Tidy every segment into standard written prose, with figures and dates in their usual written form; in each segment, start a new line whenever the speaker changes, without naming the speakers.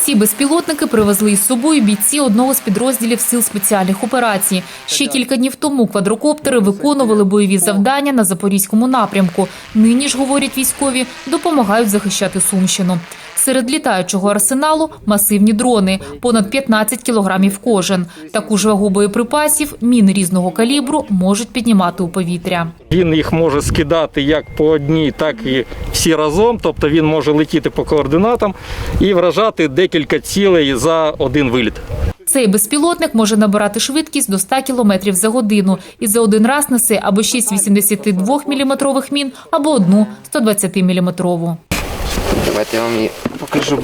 Ці безпілотники привезли із собою бійці одного з підрозділів Сил спеціальних операцій. Ще кілька днів тому квадрокоптери виконували бойові завдання на Запорізькому напрямку. Нині ж, говорять військові, допомагають захищати Сумщину. Серед літаючого арсеналу – масивні дрони, понад 15 кілограмів кожен. Таку ж вагу боєприпасів міни різного калібру можуть піднімати у повітря.
Він їх може скидати як по одній, так і всі разом. Тобто він може летіти по координатам і вражати декілька цілей за один виліт.
Цей безпілотник може набирати швидкість до 100 км за годину і за один раз несе або 6 82-мм мін, або одну 120-мм.
Давайте я вам її покажу.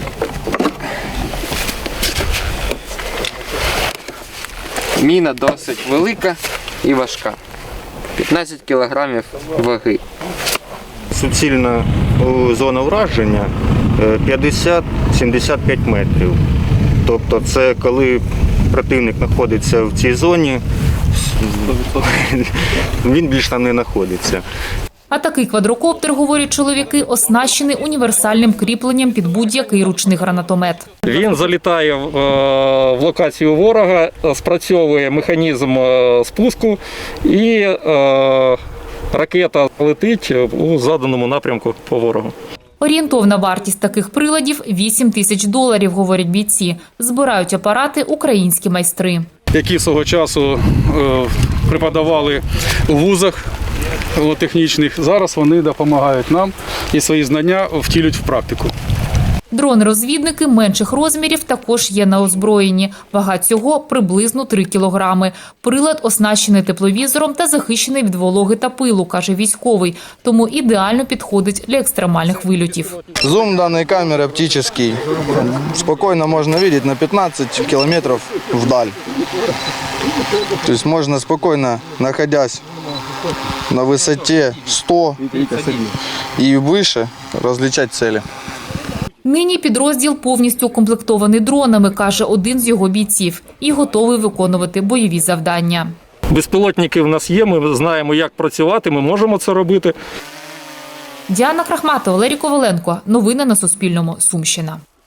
Міна досить велика і важка. 15 кілограмів ваги.
Суцільна зона враження 50-75 метрів. Тобто це коли противник знаходиться в цій зоні, він більше там не знаходиться.
А такий квадрокоптер, говорять чоловіки, оснащений універсальним кріпленням під будь-який ручний гранатомет.
Він залітає в локацію ворога, спрацьовує механізм спуску і ракета летить у заданому напрямку по ворогу.
Орієнтовна вартість таких приладів – $8 тисяч, говорять бійці. Збирають апарати українські майстри.
Які свого часу преподавали у вузах технічних, зараз вони допомагають нам і свої знання втілюють в практику.
Дрони-розвідники менших розмірів також є на озброєнні. Вага цього – приблизно 3 кілограми. Прилад оснащений тепловізором та захищений від вологи та пилу, каже військовий. Тому ідеально підходить для екстремальних вильотів.
Зум данной камеры оптический. Спокойно можно видеть на 15 километров вдаль. То есть можно спокойно, находясь на высоте 100 и выше, различать цели.
Нині підрозділ повністю укомплектований дронами, каже один з його бійців, і готовий виконувати бойові завдання.
Безпілотники в нас є, ми знаємо, як працювати, ми можемо це робити.
Діана Крахматова, Валерій Коваленко. Новини на Суспільному. Сумщина.